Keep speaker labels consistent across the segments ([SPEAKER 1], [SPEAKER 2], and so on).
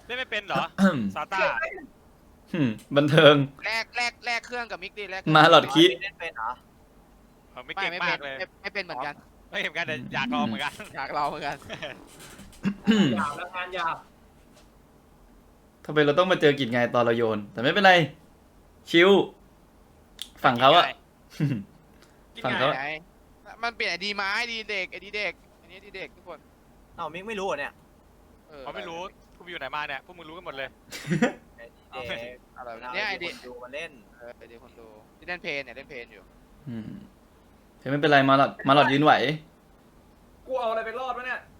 [SPEAKER 1] เล่นไม่เป็นเหรอซาต้า
[SPEAKER 2] บันเทิง
[SPEAKER 3] แลกเครื่องกับมิกดิแลก
[SPEAKER 2] มาหลอดคิ
[SPEAKER 4] เล่นเป็นเหรอ
[SPEAKER 1] ไม่เก่งมากเลย
[SPEAKER 3] ไม่เป็นเหมือนกัน
[SPEAKER 1] ไม่เห็นกันแต่อยากลองเหมือนกัน
[SPEAKER 3] อยากเราเหมือนกัน
[SPEAKER 4] หยาบแล้วงานหยาบ
[SPEAKER 2] ทำไมเราต้องมาเจอกิจไงตอนเราโยน แต่ไม่เป็นไร ชิวฝั่งเขาอะ ฝั่งเขา
[SPEAKER 3] ไหนมันเปลี่ยนไอดีไม้ไอดีเด็กไอดีเด็กอันนี้ไอดีเด็กทุกคน
[SPEAKER 4] เอ้ามิกไม่รู้เหรอเนี่ย
[SPEAKER 1] เขาไม่รู้กูอยู่ไหนมาเนี่ยพวกมึงรู้กันหมดเลย
[SPEAKER 4] ไอ้เด็ก
[SPEAKER 3] อะไรเนี่ยไอดี
[SPEAKER 4] ดูมาเล่น
[SPEAKER 3] ไอดีคนดูที่เล่นเพลนเนี่ยเล่นเพลนอยู่
[SPEAKER 2] เฮ้ยไม่เป็นไรมาหลอดยืนไหว
[SPEAKER 5] กูเอาอะไรไปรอดวะเนี่ย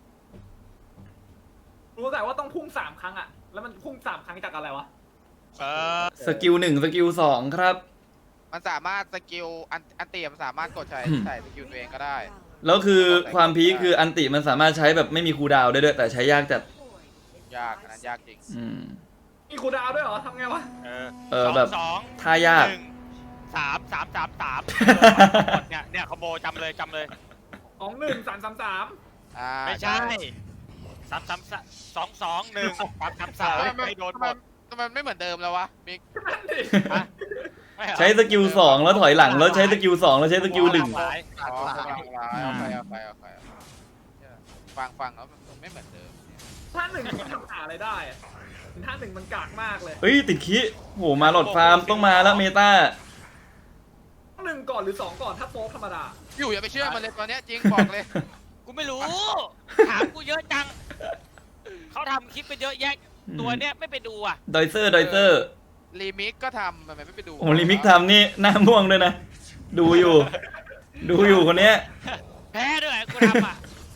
[SPEAKER 5] รู้แต่ว่าต้องพุ่ง3 ครั้งอะแล้วมันพุ่ง3 ครั้งจากอะไรวะ
[SPEAKER 2] สกิล1สกิล2ครับ
[SPEAKER 3] มันสามารถสกิลอันเตียมนสามารถกดใส่สกิลตัวเองก็ได้
[SPEAKER 2] แล้วคือความพีคคืออันติมันสามารถใช้แบบไม่มีคูลดาวน์ได้ด้วยแต่ใช้ยากจัด
[SPEAKER 3] ยากอันนั้นยากจริง
[SPEAKER 5] มีคูลดาวน์ด้วยเหรอทำไงวะ
[SPEAKER 2] แบบ
[SPEAKER 1] สอง
[SPEAKER 2] ท่ายาก
[SPEAKER 1] สามเนี่ยคอมโบจำเลย
[SPEAKER 5] 2 1 3 3 3
[SPEAKER 1] ไม่ใช่3 ไม่โดนหมด
[SPEAKER 3] ทำไมไม่เหมือนเดิมแล้ววะมิก
[SPEAKER 5] นั่นดิ
[SPEAKER 2] ใช้สกิล2แล้วถอยหลังแล้วใช้สกิล2แล้วใช้สกิล1
[SPEAKER 3] เอาไปฟังแล้วมันไม่เหมือนเดิม
[SPEAKER 5] ท่าหนึ่งมันทำหาอะไรได้อะท่าหนึ่งมันกากมากเลย
[SPEAKER 2] เฮ้ยติดคิโหมาหลอดฟาร์มต้องมาแล้วเมตา
[SPEAKER 5] 1 ก่อนหรือ 2 ก่อนถ้าโฟกธรรมดา
[SPEAKER 3] อยู่อย่าไปเชื่อมันเลยตอนนี้จริงบอกเลย
[SPEAKER 1] กูไม่รู้ถามกูเยอะจังเขาทำคลิปไปเยอะแยะตัวเนี้ยไม่ไปดูอ่ะ
[SPEAKER 2] ดอยเซอร์
[SPEAKER 3] รีมิกก็ทำทำไมไม่ไปดู
[SPEAKER 2] โอ้ลิมิกทำนี่หน้าม่วงด้วยนะ ดูอยู่คนเนี้ย
[SPEAKER 1] แพ้ด้วยกูทำอ่ะ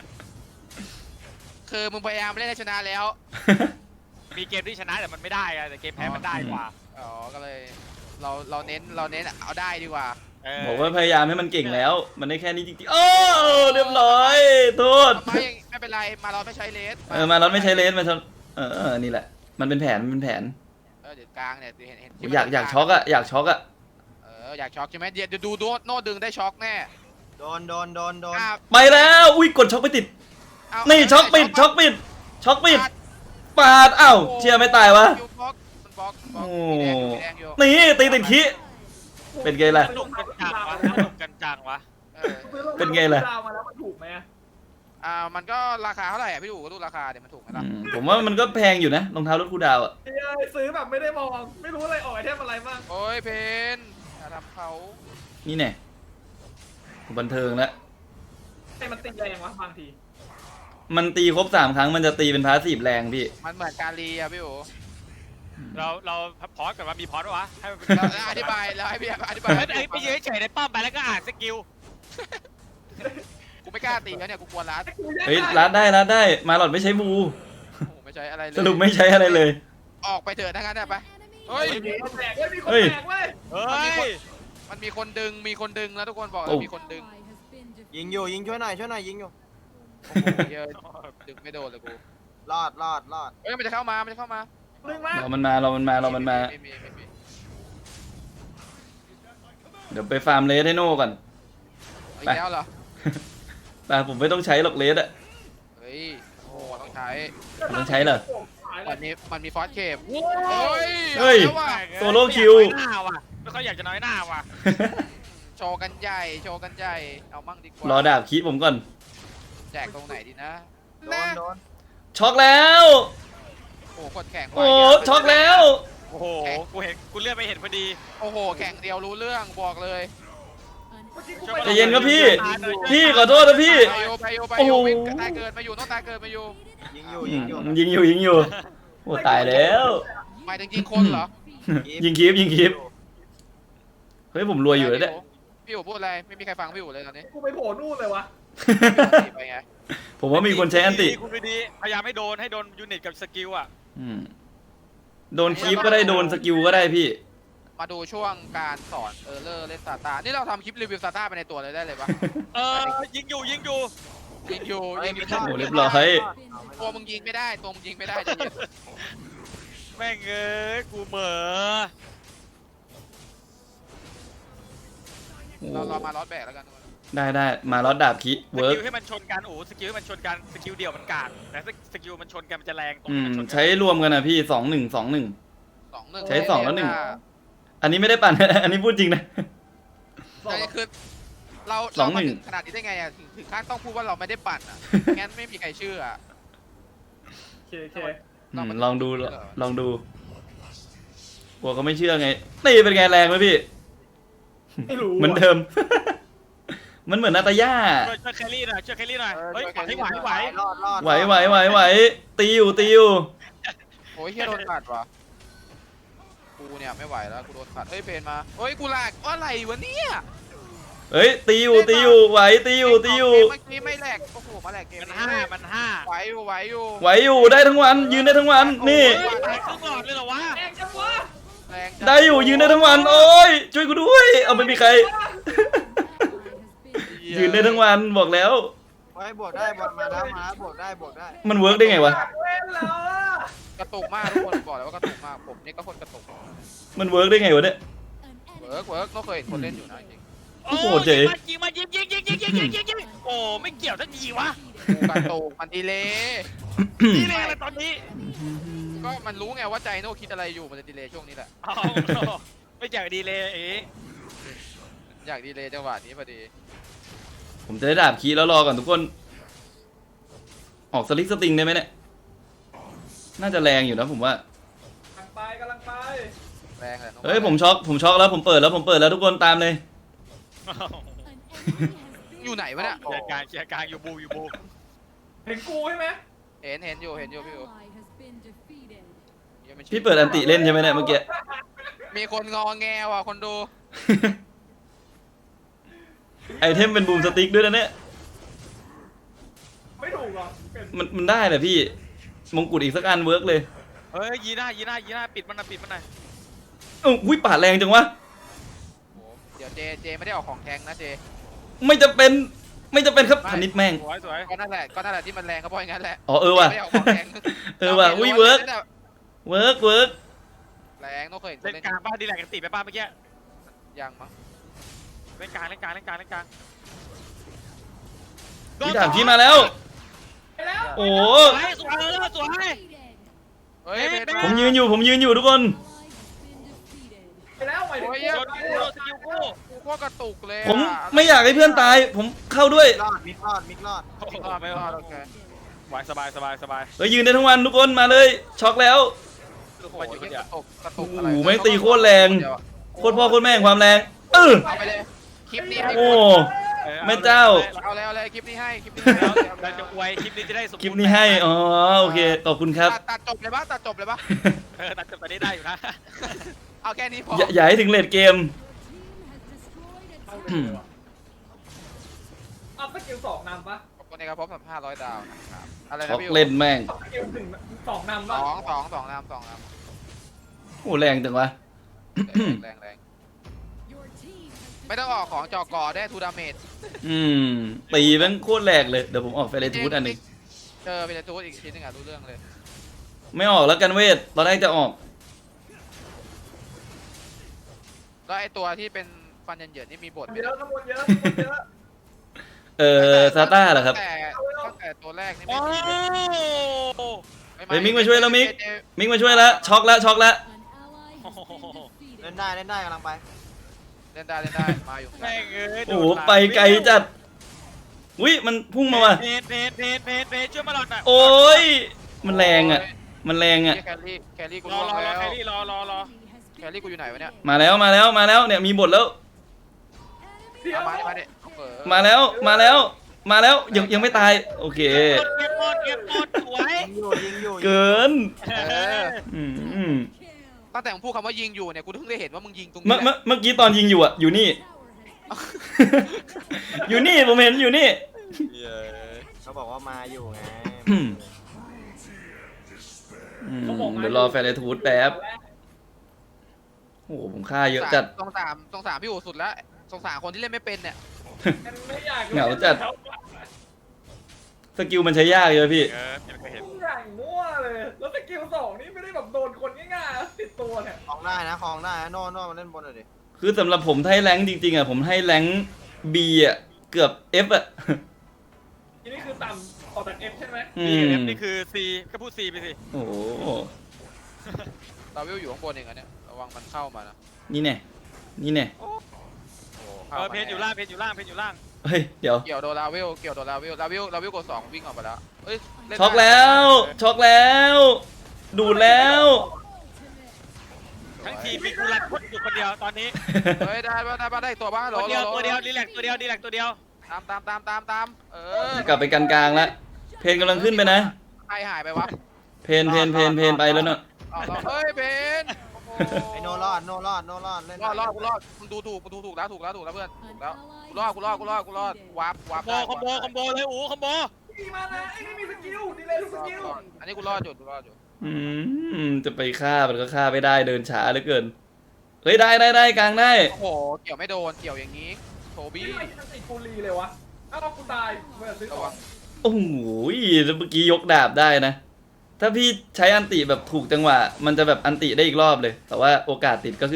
[SPEAKER 3] คือมึงพยายามเล่นให้ชนะแล้ว
[SPEAKER 1] มีเกมที่ชนะแต่มันไม่ได้อะแต่เกมแพ้มันได้กว่า
[SPEAKER 3] อ๋อก็เลยเราเน้นเอาได้ดีกว่า
[SPEAKER 2] บอกว่าพยายามให้มันเก่งแล้ว มันได้แค่นี้จริงๆโอ้เรียบร้อยโทษ
[SPEAKER 3] ไม่เป็นไรมาเราไม่ใช้เลส
[SPEAKER 2] มาเราไม่ใช้เลนมานี่แหละ มันเป็นแผน
[SPEAKER 3] เดี๋ยวกลางเนี่ยเห็น
[SPEAKER 2] อยากช็อกอะอยากช็อกอะ
[SPEAKER 3] อยากช็อกใช่ไหมเดี๋ยวดูโน่ดึงได้ช็อกแน่
[SPEAKER 4] โดน
[SPEAKER 2] ไปแล้วอุ้ยกดช็อกไม่ติดนี่ช็อกปิดปาดอ้าวเชียร์ไม่ตายวะ
[SPEAKER 3] โอ้
[SPEAKER 2] นี่ตีติดคิเป็นไงล่ะ
[SPEAKER 1] สนุกกันจังวะ
[SPEAKER 2] เป็นไงล่ะ
[SPEAKER 5] ดาวมาแล้วมันถูกไหมอะ
[SPEAKER 3] มันก็ราคาเท่าไหร่พี่ดูก็ดูราคาเดี๋ยวมันถูกไหมล่ะ
[SPEAKER 2] ผมว่ามันก็แพงอยู่นะรองเท้ารถคูดาวอะ
[SPEAKER 5] เอ้ยซื้อแบบไม่ได้มองไม่รู้อะไรออกไอเทมอะไรบ้าง
[SPEAKER 3] โอ้ยเพนอย่าทำเขา
[SPEAKER 2] นี่แน่บันเทิงแล้ว
[SPEAKER 5] ไอ้มันตีแรงวะบางที
[SPEAKER 2] มันตีครบ3 ครั้งมันจะตีเป็นพาสซีฟแรงพี่
[SPEAKER 3] มันเหมือนการีอะพี่โอ
[SPEAKER 1] เราพอสกันว่ามีพอสวะให้มันเป็น
[SPEAKER 3] แล้วอธิบายแล้วให้พี่อธิบาย
[SPEAKER 1] ไปยืนเฉยในป้อมไปแล้วก็อ่านสกิล
[SPEAKER 3] กูไม่กล้าตีแล้วเนี่ยกูกลัวรัด
[SPEAKER 2] เฮ้ยรัดได้มาหลอดไม่ใช้บู
[SPEAKER 3] โอ้ไม่ใช่อะไรเลย
[SPEAKER 2] สรุปไม่ใช้อะไรเลย
[SPEAKER 3] ออกไปเถอะทั้งนั้นไปเฮ้ย
[SPEAKER 5] มีคนแตกเว้ยมีคน
[SPEAKER 2] เฮ้ย
[SPEAKER 5] แตกเว้ย
[SPEAKER 1] เฮ้ย
[SPEAKER 3] มันมีคนดึงแล้วทุกคนบอก
[SPEAKER 2] โอ้
[SPEAKER 3] มีคนดึง
[SPEAKER 4] ยิงช่วยหน่อยยิงอยู่
[SPEAKER 3] โอ้โหเยอะดึงไม่โดนเลยกู
[SPEAKER 4] รอด
[SPEAKER 3] เฮ้ยมันจะเข้ามา
[SPEAKER 5] ดึงมา
[SPEAKER 2] เรามันมา
[SPEAKER 3] ไม่มี
[SPEAKER 2] เดี๋ยวไปฟาร์มเลสให้โน่ก่อน
[SPEAKER 3] อีกแล้วเหรอ
[SPEAKER 2] แต่ผมไม่ต้องใช้หรอกเลสอะ
[SPEAKER 3] เฮ้ยโอ้โหต้องใช้
[SPEAKER 2] ต้องใช้เหรอ
[SPEAKER 5] หายเล
[SPEAKER 3] มัน
[SPEAKER 5] ย
[SPEAKER 3] มีฟอสเคป
[SPEAKER 2] เฮ้ย
[SPEAKER 3] อาแล้วว่ะ
[SPEAKER 2] โซโล่คิว
[SPEAKER 1] หน้าว่ะไม่ค่อยอยากจะน้อยหน้าว่ะ
[SPEAKER 3] โชว์กันใหญ่เอามั่งดีกว่าร
[SPEAKER 2] อดาบคีผมก่อน
[SPEAKER 3] แจกตรงไหนดีนะ
[SPEAKER 4] โดน
[SPEAKER 2] ช็อกแล้ว
[SPEAKER 3] โอ้โหกดแข่งไว
[SPEAKER 2] โอ้ช็อกแล้ว
[SPEAKER 1] โอ้โหกูเลื่อนไปเห็นพอดี
[SPEAKER 3] โอ้โหแข่งเดียวรู้เรื่องบอกเลย
[SPEAKER 5] เมื่อกี้กู
[SPEAKER 2] ใจเย็นครับพี่ พี่ขอโทษนะพี่
[SPEAKER 3] ไปโยวิ่งตายเกิดมาอยู่ต้องตายเกิดมาอยู่
[SPEAKER 4] ยิงอยู่
[SPEAKER 2] ยิงอยู่โอ้ตายแล้ว
[SPEAKER 3] หมายถึงยิงคนเหรอ
[SPEAKER 2] ยิงคีบเฮ้ยผมรวยอยู่แล้วเนี่ย
[SPEAKER 3] พี่อู๋พูดอะไรไม่มีใครฟังพี่อู๋เลยตอนนี้
[SPEAKER 5] กูไปโผล่นู่นเลยวะ
[SPEAKER 3] ไปไง
[SPEAKER 2] ผมว่ามีคนใช้อันติ
[SPEAKER 1] คุณดีพยายามให้โดนยูนิตกับสกิลอ่ะ
[SPEAKER 2] โดนคีบก็ได้โดนสกิลก็ได้พี่
[SPEAKER 3] มาดูช่วงการสอนเลอร์เล่นซาตานี่เราทำคลิปรีวิวซาตาไปในตัวเลยได้เลยปะ
[SPEAKER 1] ยิงอยู่
[SPEAKER 3] ยิงอยู่
[SPEAKER 2] โอ้เรียบร้อย
[SPEAKER 3] ตัวมึงยิงไม่ได้ใจเย็น
[SPEAKER 1] แม่งกูเหม่อ
[SPEAKER 3] เรามาลอสแบกแล้วกัน
[SPEAKER 2] ได้มาลอดดาบคิ
[SPEAKER 1] ส
[SPEAKER 2] เวิร์
[SPEAKER 1] กิ
[SPEAKER 2] ก
[SPEAKER 1] ลให้มันชนกันโอ้สกิลให้มันชนกันสกิลเดียวมันกากแต่สกิลมันชนกันมันจะแรงตรงที่มันชนกัน
[SPEAKER 2] ใช้รวมกันนะพี่2-1 2-1
[SPEAKER 3] 2-1
[SPEAKER 2] ใช้2แล้ว1 อันนี้ไม่ได้ปั่น อันนี้พูดจริงนะ
[SPEAKER 3] อันนี้คือเรา
[SPEAKER 2] สองห
[SPEAKER 3] มา
[SPEAKER 2] นึ่ง
[SPEAKER 3] ถึงขนาดนี้ได้ไงอ่ะถึงขั้นต้องพูดว่าเราไม่ได้ปั่นอ่ะ งั้นไม่มีใครเชื่ออะ
[SPEAKER 5] โอเค
[SPEAKER 2] ลองดูลองดูกลัวเขาไม่เชื่อไงนี่เป็นไงแรงไหมพี่
[SPEAKER 5] ไม่รู้
[SPEAKER 2] เหมือนเดิม มันเหมือนนาตาย่า
[SPEAKER 1] ช่วยแคลรี่หน่อยช่วยแคลรี่หน่อย
[SPEAKER 3] เออ
[SPEAKER 1] เฮ้ย
[SPEAKER 3] ช่วยแคลรี่
[SPEAKER 1] ไหว
[SPEAKER 4] รอดรอด
[SPEAKER 2] ไหวตีอยู่
[SPEAKER 3] โอ้ยเฮียโดนขัดว่ะกูเนี่ยไม่ไหวแล้วกูโดนขัดเฮ้ยเพนมาเฮ้ยกูลากอะไรวะเนี่ย
[SPEAKER 2] เฮ้ยตีอยู่ไหวตีอยู่
[SPEAKER 3] เมื่อกี้ไม่แหลกโอ้โหมาแหลกเกม
[SPEAKER 1] มัน
[SPEAKER 3] นี้
[SPEAKER 1] ห้า
[SPEAKER 3] ไหวอยู่
[SPEAKER 2] ไหวอยู่ได้ทั้งวันยืนได้ทั้งวันนี่
[SPEAKER 1] เฮ้ยตายครึ่งหลอดเลยเหรอวะ
[SPEAKER 5] แรงจังวะ
[SPEAKER 3] แรงจัง
[SPEAKER 2] ได้อยู่ยืนได้ทั้งวันโอ้ยช่วยกูด้วยเอาไม่มีใคร ยืนได้ทั้งวันบอกแล้ว
[SPEAKER 4] ไว้บวกได้บวกมาแล้วบวกได้
[SPEAKER 2] มันเวิร์กได้ไงวะ
[SPEAKER 5] เว้นแล้วอะ
[SPEAKER 3] กระตุกมากทุกคนบอกเลยว่ากระตุกมากผมนี่ก็คนกระตุก
[SPEAKER 2] มันเวิร์กได้ไงวะเนี่ย
[SPEAKER 3] เวิร์กก็เคยเห็นคนเล่นอยู่นะจริง
[SPEAKER 2] โอ้โหเจ๋
[SPEAKER 1] ยิงมายิงโอ้ไม่เกี่ยวทันทีวะ
[SPEAKER 3] กูกระตุกมันดีเลย
[SPEAKER 1] นี่เลยอะไรตอนนี้
[SPEAKER 3] ก็มันรู้ไงว่าใจโน่คิดอะไรอยู่มันจะดีเลยช่วงนี้แหละ
[SPEAKER 1] เอาไม่เกี่ยวดีเลยเอ๋
[SPEAKER 3] อยากดีเลยจังหวะนี้พอดี
[SPEAKER 2] ผมจะได้ดาบคีแล้วรอก่อนทุกคน ออกสลิกสติงได้ไหมเนี่ยน่าจะแรงอยู่นะผมว่า
[SPEAKER 5] กำลังไป
[SPEAKER 3] แรงเลย
[SPEAKER 2] เฮ้ยผมช็อกแล้วผมเปิดแล้วทุกคนตามเลย
[SPEAKER 3] อยู่ไหนวะเนี่ย
[SPEAKER 1] เชียร์กลางอยู่บู
[SPEAKER 5] เห็นกูใช่ไหม
[SPEAKER 3] เห็นอยู่พี่อู๋
[SPEAKER 2] พี่เปิดอันติเล่นใช่ไหมเนี่ยเมื่อกี้
[SPEAKER 3] มีคนงอแงว่ะคนดู
[SPEAKER 2] ไอเทมเป็นบูมสติ๊กด้วยนะเนี่ย
[SPEAKER 5] ไม่ถูกหรอเป็น
[SPEAKER 2] มันได้แหละพี่มงกุฎอีกสักอันเวิร์กเลย
[SPEAKER 1] เฮ้ยยีหน้าปิดมันหน่อย
[SPEAKER 2] อุ้ยปาดแรงจังวะ
[SPEAKER 3] โอ้เดี๋ยวเจไม่ได้ออกของแทงนะเจ
[SPEAKER 2] ไม่จะเป็นครับธนิดแม่ง
[SPEAKER 1] สวย
[SPEAKER 3] ก็นั่นแหละที่มันแรงก็เพราะอย่างนั้นแหละ
[SPEAKER 2] อ๋อว่ะ
[SPEAKER 3] ไม่ได้ออกของแทง
[SPEAKER 2] ว่ะอุ้ยเวิร์ก
[SPEAKER 3] แรงต้องเคยเห็นคน
[SPEAKER 1] เล่น
[SPEAKER 3] เล่น
[SPEAKER 1] กลางบ้านดีแลกกันตีไปบ้านเมื่อกี้
[SPEAKER 3] ยังมั้ง
[SPEAKER 1] เล่นกลาง
[SPEAKER 2] พี่ถามพี่มาแล้ว
[SPEAKER 5] ไปแล้ว
[SPEAKER 2] โอ้
[SPEAKER 1] สวย
[SPEAKER 3] เฮ้ยเพน
[SPEAKER 2] ผมยืนอยู่ทุกคน
[SPEAKER 5] ไปแล้วไป
[SPEAKER 3] โอ้ย
[SPEAKER 1] โดนสกิลกู
[SPEAKER 3] กูก็กระตุกเลย
[SPEAKER 2] ผมไม่อยากให้เพื่อนตาย ผมเข้าด้วย
[SPEAKER 4] มิกรอด
[SPEAKER 3] ไม่รอดโอเค
[SPEAKER 1] ไหวสบาย
[SPEAKER 2] เฮ้ยยืนได้ทั้งวันทุกคนมาเลยช็อกแล้ว
[SPEAKER 3] โอ้โหกระตุก
[SPEAKER 2] โอ้โหแม่งตีโคตรแรงโคตรพ่อโคตรแม่งความแรง
[SPEAKER 3] เอาไปเลยคลิปนี้ให้
[SPEAKER 2] โอ้แม่เจ้า
[SPEAKER 3] เอาเลยคลิปนี้ให้
[SPEAKER 1] แล้วเราจะอวยคลิปนี้จะได้สม
[SPEAKER 2] คลิปนี้ให้อ๋อโอเคขอบคุณครับ
[SPEAKER 3] ตัดจบเลยปะตัดจบ
[SPEAKER 1] ตัดจบตอนนี้ได้อยู่นะ
[SPEAKER 3] เอาแค่นี้พอ
[SPEAKER 2] อย่าให้ถึงเลดเกม
[SPEAKER 5] เอาสกิล2นำปะ
[SPEAKER 3] ขอบคุณนะครับพบกับ500 ดาวนะครับอะไร
[SPEAKER 2] ช็
[SPEAKER 3] นะ
[SPEAKER 2] อก
[SPEAKER 3] พี่
[SPEAKER 2] เล่นแม่ง
[SPEAKER 5] สกิล2นำปะ
[SPEAKER 3] สองน้ำ
[SPEAKER 2] โอ้แรงจังวะ
[SPEAKER 3] แรงไม่ต้องออกของจอกอได้ทูดาเมจ
[SPEAKER 2] ตีแม่งโคตรแรงเลยเดี๋ยวผมออกไฟเลทูดอันหนึง
[SPEAKER 3] เจอเป็นทูดอีกทีนึงอ่ะรู้เรื่องเลย
[SPEAKER 2] ไม่ออกแล้วกันเวทตอนแรกจะออก
[SPEAKER 3] แล้วไอตัวที่เป็นฟันเหยินๆนี่มีบท
[SPEAKER 5] เยอะขบวนเยอะ
[SPEAKER 2] ซาต้าเหรอครับ
[SPEAKER 3] ตั้งแต่ตัวแรกนี่
[SPEAKER 1] โอ้
[SPEAKER 2] เฮ้ยมิกมาช่วยแล้วมิกมาช่วยแล้วช็อกแล้ว
[SPEAKER 4] เล่นได้กำลังไป
[SPEAKER 3] เล่นได้มาอยู่
[SPEAKER 1] แม่งเอ้ย
[SPEAKER 2] โอ้โหไปไกลจัดอุ้ยมันพุ่งมาว่ะ
[SPEAKER 1] เพจช่วยมาหลอดหน่อย
[SPEAKER 2] โอ้ยมันแรงอ่ะ
[SPEAKER 3] แครี่กู
[SPEAKER 1] รอ
[SPEAKER 3] ล่วงแล้ว
[SPEAKER 1] แครี่รอ
[SPEAKER 3] แครี่กูอยู่ไหนวะเนี่ย
[SPEAKER 2] มาแล้วเนี่ยมีบทแล้ว
[SPEAKER 5] เดี๋ยว
[SPEAKER 3] มาดิ
[SPEAKER 2] มาแล้วยังไม่ตายโอเค
[SPEAKER 1] เก็บหมดสวย
[SPEAKER 4] ยิงอยู่
[SPEAKER 2] เกิน อืม
[SPEAKER 3] ตั้งแต่มึงพูดคำว่ายิงอยู่เนี่ยกูเพิ่งได้เห็นว่ามึงยิงตรงนี้
[SPEAKER 2] เมื่อกี้ตอนยิงอยู่อ่ะอยู่นี่ อยู่นี่ผมเห็นอยู่นี่
[SPEAKER 4] เขาบอกว่ามาอยู่ไง
[SPEAKER 2] เดี๋ยวรอแฟนไอทูดแป๊บโอ้โหผมฆ่าเยอะจัด
[SPEAKER 3] สงสารพี่อู๋สุดแล้วสงสารคนที่เล่นไม่เป็นเนี่ย
[SPEAKER 5] ไม่อยาก
[SPEAKER 2] เหงาจัด สกิลมันใช้ยากเลยพี่
[SPEAKER 1] ยังเคยเห็น
[SPEAKER 5] อย่างมั่วเลยแล้วสกิล2นี่ไม่ได้แบบโดนคนง่ายๆติดตัวเนี่ย
[SPEAKER 4] คลองได้นะโน่มาเล่นบนหน่อยดิ
[SPEAKER 2] คือสำหรับผมถ้าให้แรงค์จริงๆอ่ะผมให้แรงค์ B อ่ะเกือบ F อ่ะ
[SPEAKER 5] ทีนี้คือต่ำออกจาก F ใช่ไหม
[SPEAKER 2] อื
[SPEAKER 1] B กับ
[SPEAKER 2] ม
[SPEAKER 1] F นี่คือ C ก็พูด C ไปสิ
[SPEAKER 2] โอ้โห
[SPEAKER 3] ดาวิลอยู่ข้างบนเองอันเนี้ยระวังมันเข้ามานะ
[SPEAKER 2] นี่แน่นี่แน่
[SPEAKER 3] โอ้
[SPEAKER 1] เพนอยู่ล่างเพนอยู่ล่างเพนอยู่ล่าง
[SPEAKER 2] เฮ้ยเดี๋ยว
[SPEAKER 3] เกี่ยวโดนลาวิลเกี่ยวโดนลาวิลกด2วิ่งออกไปแล้วเอ้ยเน
[SPEAKER 2] ช็อก
[SPEAKER 3] ได้
[SPEAKER 2] แล้วช็อกแล้ว ดูดแล้ว
[SPEAKER 1] ทั้งทีมมีกูรันพุทธอยู่คนเดียวตอนนี้
[SPEAKER 3] เฮ้ยได้ป่ะได้ตัวบ้าง
[SPEAKER 1] ตัวเดียวดีแลกตัวเดียวดีแลกตัวเดียว
[SPEAKER 3] ตาม
[SPEAKER 2] กลับไปกันกลางแล้วเพนกำลังขึ้นไปนะ
[SPEAKER 3] ใครหายไปวะ
[SPEAKER 2] เพนไปแล้วเนาะ
[SPEAKER 3] เฮ้ยเบน
[SPEAKER 4] ไอโนรอดโนรอดโนรอดเล่น
[SPEAKER 3] รอดมึงดูถูกแล้วเพื่อนถูกแล้วกูรอดวาร์ป
[SPEAKER 1] คอมโบเลยอูคอมโบ
[SPEAKER 5] มีมานะไอ้ไม่มีสกิลดีเลยทุกสกิล
[SPEAKER 3] อันนี้กูรอดอยู่
[SPEAKER 2] จะไปฆ่ามันก็ฆ่าไม่ได้เดินช้าเหลือเกินเฮ้ยได้กลางได้
[SPEAKER 3] โอ้โหเกี่ยวไม่โดนเกี่ยวอย่างนี้โทบี้
[SPEAKER 5] ไม่ทันติกูรีเลยวะอ้าวกูตายเมื่อซื้อ
[SPEAKER 3] ระ
[SPEAKER 5] ขอ
[SPEAKER 3] วั
[SPEAKER 5] ง
[SPEAKER 3] ง
[SPEAKER 2] โอ้โหแล้วเมื่อกี้ยกดาบได้นะ ถ้าพี่ใช้อันติแบบถูกจังหวะ มันจะแบบอันติได้อีกรอบเลย แต่ว่าโอกาสติดก็คือ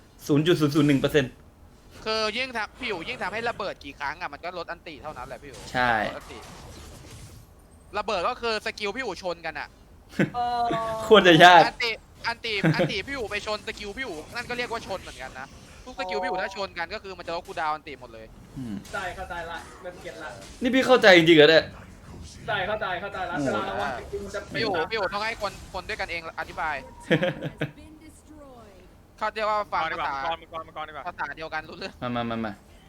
[SPEAKER 2] 0.001%
[SPEAKER 3] คือยิ่งทำพี่อยู่ยิ่งทำให้ระเบิดกี่ครั้งอ่ะมันก็ลดอันติเท่านั้นแหละพี่อยู่
[SPEAKER 2] ใช่
[SPEAKER 3] ลดอันติระเบิดก็คือสกิลพี่อยู่ชนกันอ่ะ
[SPEAKER 2] โคตรจะยาก
[SPEAKER 3] อันติพี่อยู่ไปชนสกิลพี่อยู่นั่นก็เรียกว่าชนเหมือนกันนะทุกสกิลพี่อยู่ถ้าชนกันก็คือมันจะลดคูลดาวน์อันติหมดเลย
[SPEAKER 2] อืม
[SPEAKER 5] ใจเข้าใจละเป็นเก็ตละ
[SPEAKER 2] นี่พี่เข้าใจจริงๆเหรอเนี่ย
[SPEAKER 5] ใจเข้าใจละเวลาระวังสกิลมันจะ
[SPEAKER 3] พี่อยู่ต้องให้คนด้วยกันเองอธิบายเขาเรียกว่าฟัง
[SPEAKER 1] ดี
[SPEAKER 3] ภาก
[SPEAKER 1] ว่า
[SPEAKER 3] ษา
[SPEAKER 1] มังกรดีกว่า
[SPEAKER 3] ภาษาเดียวกันรู้เรื่อง
[SPEAKER 2] มา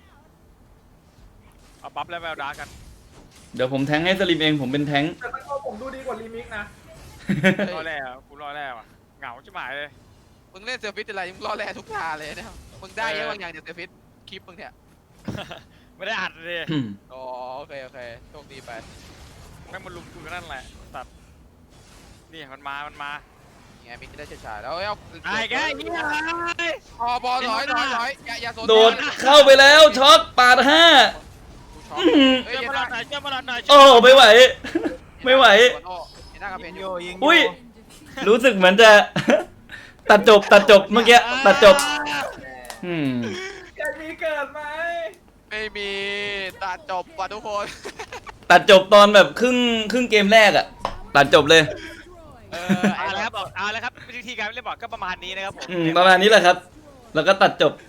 [SPEAKER 1] เอาบัฟแล้วแววดากัน
[SPEAKER 2] เดี๋ยวผมแทงให้สลิมเองผมเป็นแทง
[SPEAKER 5] แต่ตะโกนผมดูดีกว่ารีมิกนะ
[SPEAKER 1] รอแล้วกูรอแล้วอ่ะเหงาชิบหายเลย
[SPEAKER 3] มึงเล่นเซอร์ฟิตอะไรมึงรอแลทุกทาเลยเนี่ยมึงได้เยอะบางอย่างจากเซอร์ฟิตคลิปมึงเนี่ย
[SPEAKER 1] ไม่ได้อัดเลย
[SPEAKER 3] อ๋อโอเคโชคดีไป
[SPEAKER 1] แม่งมันลุมกูกันนั่นแหละตัดนี่มันมา
[SPEAKER 3] ไงมิกได้เฉยๆแล้วเอา
[SPEAKER 1] ไอ้แกเฮีย
[SPEAKER 3] พอบอลถอยอย่าโซน
[SPEAKER 2] โดดเข้าไปแล้วช็อตปาด5
[SPEAKER 3] เฮ้ย
[SPEAKER 1] เชื่อมาหน่อยเชื่อมาหน่อย
[SPEAKER 2] โอ้ไม่ไหว ไม่ไหว
[SPEAKER 3] หน้ากระเพน
[SPEAKER 4] ยิง
[SPEAKER 3] อ
[SPEAKER 4] อยู่ ยู่ยิง
[SPEAKER 2] อุ้ย รู้สึกเหมือนจะ ตัดจบเมื่อกี้ตัดจบ
[SPEAKER 5] แกมีเกิดไหม
[SPEAKER 3] ไม่มีตัดจบว่ะทุกคน
[SPEAKER 2] ตัดจบตอนแบบครึ่งเกมแรกอะตัดจบเลย
[SPEAKER 1] เอาละครับเอาละครับวิธีการเล่นบอร์ดก็ประมาณนี้นะครับผม
[SPEAKER 2] ประมาณนี้แหละครับ แล้วก็ตัดจบ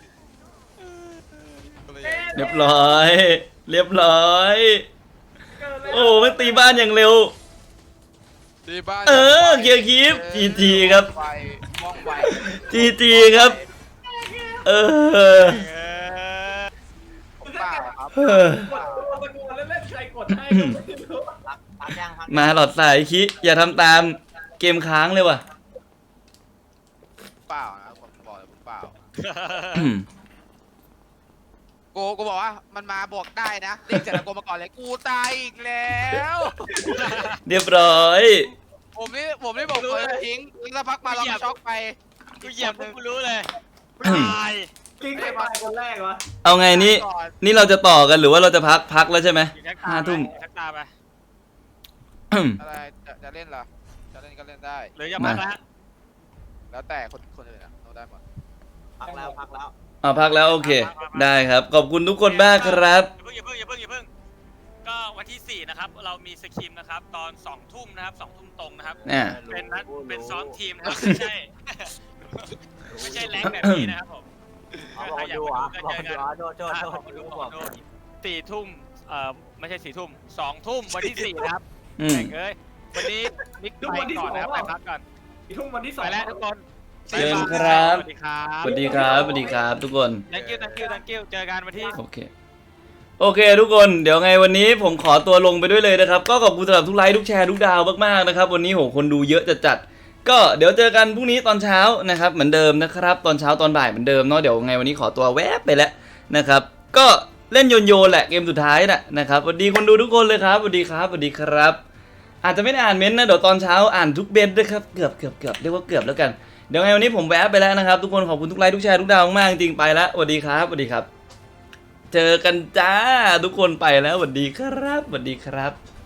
[SPEAKER 2] เรียบร้อย
[SPEAKER 5] เกิดแล้ว
[SPEAKER 2] โอ้ไม่ตีบ้านอย่างเร็ว
[SPEAKER 3] ดีบ้าน
[SPEAKER 2] เกียร์คีฟ GG ครับ
[SPEAKER 3] ไวว่องไว
[SPEAKER 2] GG ครับ
[SPEAKER 3] ผมเปล่าครับ
[SPEAKER 5] กดตะโกนเล่นๆใครกดให้ก็ไม่รู้
[SPEAKER 4] พักยังพัก
[SPEAKER 2] มาหลอดสายคิอย่าทำตามเกมค้างเลยว่ะ
[SPEAKER 3] เปล่านะผมบอกเลยผมเปล่ากูบอกว่ามันมาบวกได้นะเรียกเสร็จแล้วกูมาก่อนเลยกูตายอีกแล้ว
[SPEAKER 2] เรียบร้อย
[SPEAKER 3] ผมนี่บอกเลยทิ้งสักพักมาเราช็อกไป
[SPEAKER 1] กูเหยียบกูรู้เลยตาย
[SPEAKER 5] จริงใครตายคนแรกวะ
[SPEAKER 2] เอาไงนี่เราจะต่อกันหรือว่าเราจะพักแล้วใช่ไหม 5 ทุ่ม
[SPEAKER 1] ทักตาไป
[SPEAKER 3] อะไรจะเล่นเหรอจะเล่นก็เล่นได้
[SPEAKER 1] หรือจะพักแล้ว
[SPEAKER 3] แล้วแต่คนอื่นนะเราได้หมด
[SPEAKER 4] พักแล้วพักแล้ว
[SPEAKER 2] พักแล้วโอเค ได้ครับ ขอบคุณทุกคนมากครับ
[SPEAKER 1] อย่าเพิ่งก็วันที่4นะครับเรามีสคิมนะครับตอน2 ทุ่มนะครับ2 ทุ่มตรงนะครับ
[SPEAKER 2] เนี่ย
[SPEAKER 1] เป็นซ้อมทีมนะครับไม่ใช่แรงแบบนี้นะครับผม
[SPEAKER 4] บอกดูอ่ะบอกดูอ่ะโทษ
[SPEAKER 1] 4 ทุ่มไม่ใช่4 ทุ่ม2 ทุ่มวันที่4นะครับ
[SPEAKER 2] อืม
[SPEAKER 1] เอ้ยวันนี้มิกไปก่อนนะครับไปพักก่อน
[SPEAKER 5] อีกทุ่มวันที่ 2
[SPEAKER 1] ไปแล้วทุกคน
[SPEAKER 2] เชิญครับ
[SPEAKER 1] สวัสดีครับ
[SPEAKER 2] สวัสดีครับทุกคน
[SPEAKER 1] thank you เจอกันวันที่
[SPEAKER 2] โอเคทุกคนเดี๋ยวไงวันนี้ผมขอตัวลงไปด้วยเลยนะครับ ก็ขอบคุณสำหรับทุกไลค์ทุกแชร์ทุกดาวมากๆนะครับวันนี้โหคนดูเยอะจัดก็เดี๋ยวเจอกันพรุ่งนี้ตอนเช้านะครับเหมือนเดิมนะครับตอนเช้าตอนบ่ายเหมือนเดิมเนาะเดี๋ยวไงวันนี้ขอตัวแวบไปแล้วนะครับก็เล่นโยนแหละเกมสุดท้ายนะครับสวัสดีคนดูทุกคนเลยครับสวัสดีครับ อาจจะไม่ได้อ่านเม้นต์นะเดี๋ยวตอนเช้าอ่านทุกเบนด้วยครับเกือบเรียกว่าเกือบแล้วกันเดี๋ยวไงวันนี้ผมแวบไปแล้วนะครับทุกคนขอบคุณทุกไลค์ทุกแชร์ทุกดาวมากจริงไปแล้วสวัสดีครับเจอกันจ้าทุกคนไปแล้วสวัสดีครับ